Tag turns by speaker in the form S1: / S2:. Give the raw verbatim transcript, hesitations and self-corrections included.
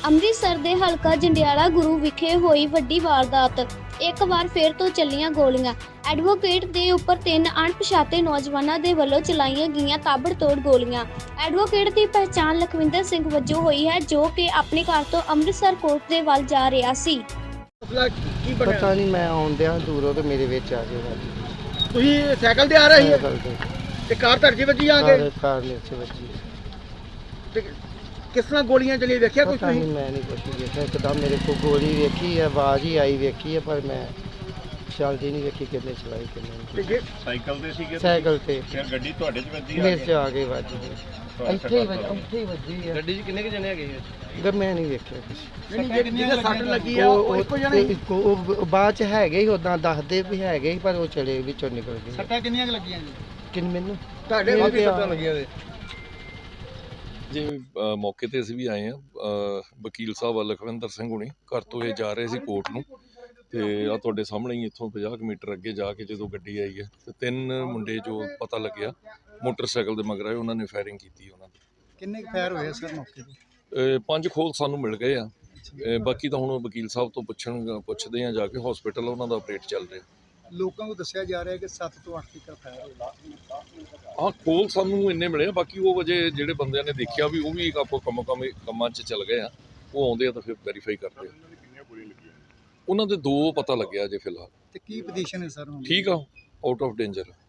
S1: ਅੰਮ੍ਰਿਤਸਰ ਦੇ ਹਲਕਾ ਜੰਡਿਆਲਾ ਗੁਰੂ ਵਿਖੇ ਹੋਈ ਵੱਡੀ ਵਾਰਦਾਤ। ਇੱਕ ਵਾਰ ਫਿਰ ਤੋਂ ਚੱਲੀਆਂ ਗੋਲੀਆਂ। ਐਡਵੋਕੇਟ ਦੇ ਉੱਪਰ ਤਿੰਨ ਅਣਪਛਾਤੇ ਨੌਜਵਾਨਾਂ ਦੇ ਵੱਲੋਂ ਚਲਾਈਆਂ ਗਈਆਂ ਤਾਬੜਤੋੜ ਗੋਲੀਆਂ। ਐਡਵੋਕੇਟ ਦੀ ਪਛਾਣ ਲਖਵਿੰਦਰ ਸਿੰਘ ਵਜੋਂ ਹੋਈ ਹੈ, ਜੋ ਕਿ ਆਪਣੇ ਘਰ ਤੋਂ ਅੰਮ੍ਰਿਤਸਰ ਕੋਰਟ ਦੇ ਵੱਲ ਜਾ ਰਿਹਾ ਸੀ।
S2: ਪਤਾ ਨਹੀਂ, ਮੈਂ ਆਉਂਦਿਆਂ ਦੂਰੋਂ ਤੇ ਮੇਰੇ ਵਿੱਚ ਆ ਗਿਆ।
S3: ਤੁਸੀਂ ਸਾਈਕਲ ਤੇ ਆ ਰਹੇ ਸੀ
S2: ਸਾਈਕਲ ਤੇ
S3: ਤੇ ਕਾਰ ਧਰਜੀ ਵੱਜੀ ਆ ਕੇ
S2: ਕਾਰ ਕਾਰ ਵਿੱਚ ਵੱਜੀ।
S3: ਤੇ ਕਿਸ ਤਰ੍ਹਾਂ ਗੋਲੀਆਂ ਚੱਲੀਆਂ ਵੇਖਿਆ ਕੁਝ
S2: ਪਤਾ ਨਹੀਂ,
S3: ਤੁਸੀਂ?
S2: ਮੈਂ ਨਹੀਂ ਕੁਛ ਵੇਖਿਆ। ਇੱਕਦਮ ਮੇਰੇ ਕੋਲ ਗੋਲੀ ਵੇਖੀ ਹੈ, ਆਵਾਜ਼ ਹੀ ਆਈ ਵੇਖੀ ਹੈ, ਪਰ ਮੈਂ ਚੱਲਦੀ ਨਹੀਂ ਵੇਖੀ ਕਿੰਨੇ ਚਲਾਈ ਕਿੰਨੇ
S3: ਤੇ
S2: ਨਹੀਂ।
S3: ਜੇ
S4: ਸਾਈਕਲ ਤੇ ਸੀਗੇ?
S2: ਸਾਈਕਲ ਤੇ
S4: ਫਿਰ ਗੱਡੀ ਤੁਹਾਡੇ 'ਚ ਵੱਜੀ?
S2: ਮੇਰੇ 'ਚ ਆ ਕੇ ਵੱਜ ਗਈ। ਇੱਥੇ ਹੀ ਵੱਜ ਇੱਥੇ ਹੀ ਵੱਜੀ ਹੈ।
S4: ਗੱਡੀ 'ਚ ਕਿੰਨੇ ਕੁ ਜਣੇ ਹੈਗੇ?
S2: ਗ ਮੈਂ ਨਹੀਂ ਵੇਖਿਆ ਕੁਛ।
S3: ਨਹੀਂ ਜਿਹੜੀ ਜਿਹਦੇ ਸੱਟ ਲੱਗੀ ਆ
S2: ਉਹ
S3: ਉਹ ਇੱਕੋ ਜਣੇ ਸੀ?
S2: ਇੱਕੋ- ਉਹ ਬਾਅਦ ਚ ਹੈਗੇ ਹੀ ਉਦਾਂ ਦੱਸਦੇ ਵੀ ਹੈਗੇ ਸੀ, ਪਰ ਉਹ ਚਲੇ ਵਿੱਚੋਂ ਨਿਕਲ ਗਏ।
S3: ਸੱਟਾਂ ਕਿੰਨੀਆਂ ਕੁ ਲੱਗੀਆਂ ਜੀ
S2: ਕਿੰਨ ਮੈਨੂੰ
S3: ਤੁਹਾਡੇ
S2: ਮੇਰੇ
S3: ਕਾਫੀ
S2: ਤੇ
S3: ਸੱਟਾਂ
S2: ਆ-
S3: ਲੱਗੀਆਂ ਨੇ।
S5: ਜੀ ਅ, ਮੌਕੇ ਤੇ ਅਸੀਂ ਵੀ ਆਏ ਹਾਂ। ਵਕੀਲ ਸਾਹਿਬ ਲਖਵਿੰਦਰ ਸਿੰਘ ਹੁਣੀ ਘਰ ਤੋਂ ਇਹ ਜਾ ਰਹੇ ਸੀ ਕੋਰਟ ਨੂੰ, ਤੇ ਆ ਤੁਹਾਡੇ ਸਾਹਮਣੇ ਹੀ ਇੱਥੋਂ ਪੰਜਾਹ ਕੁ ਮੀਟਰ ਅੱਗੇ ਜਾ ਕੇ ਜਦੋਂ ਗੱਡੀ ਆਈ ਹੈ ਤੇ ਤਿੰਨ ਮੁੰਡੇ ਜੋ ਪਤਾ ਲੱਗਿਆ ਮੋਟਰਸਾਈਕਲ ਦੇ ਮਗਰ ਆਏ, ਉਹਨਾਂ ਨੇ ਫਾਇਰਿੰਗ ਕੀਤੀ। ਉਹਨਾਂ ਦੇ
S3: ਕਿੰਨੇ ਕੁ ਫਾਇਰ ਹੋਏ ਸਰ ਮੌਕੇ ਤੇ?
S5: ਅ, ਪੰਜ ਖੋਲ ਸਾਨੂੰ ਮਿਲ ਗਏ ਆ। ਅ, ਬਾਕੀ ਤਾਂ ਹੁਣ ਵਕੀਲ ਸਾਹਿਬ ਤੋਂ ਪੁੱਛਣ ਪੁੱਛਦੇ ਆ ਜਾ ਕੇ। ਹਸਪੀਟਲ ਉਹਨਾਂ ਦਾ ਆਪਰੇਟ ਚੱਲ ਰਿਹਾ।
S3: ਲੋਕਾਂ ਨੂੰ ਦੱਸਿਆ ਜਾ ਰਿਹਾ ਕਿ ਸੱਤ ਤੋਂ ਅੱਠ ਤੱਕ ਫਾਇਰ ਹੋਇਆ।
S5: ਹਾਂ, ਖੋਲ ਸਾਨੂੰ ਇੰਨੇ ਮਿਲੇ ਆ। ਬਾਕੀ ਉਹ ਵਜੇ ਜਿਹੜੇ ਬੰਦਿਆਂ ਨੇ ਦੇਖਿਆ ਵੀ ਉਹ ਵੀ ਆਪੋ ਕੰਮ ਕੰਮ ਕੰਮਾਂ 'ਚ ਚੱਲ ਗਏ ਆ। ਉਹ ਆਉਂਦੇ ਆ ਤਾਂ ਫਿਰ ਵੈਰੀਫਾਈ ਕਰਦੇ ਆ। ਉਹਨਾਂ ਦੇ ਦੋ ਪਤਾ ਲੱਗਿਆ ਜੇ ਫਿਲਹਾਲ।
S3: ਤੇ ਕੀ ਪੋਜੀਸ਼ਨ ਹੈ ਸਰ ਹੁਣ?
S5: ਠੀਕ ਆ, ਆਊਟ ਆਫ ਡੇਂਜਰ।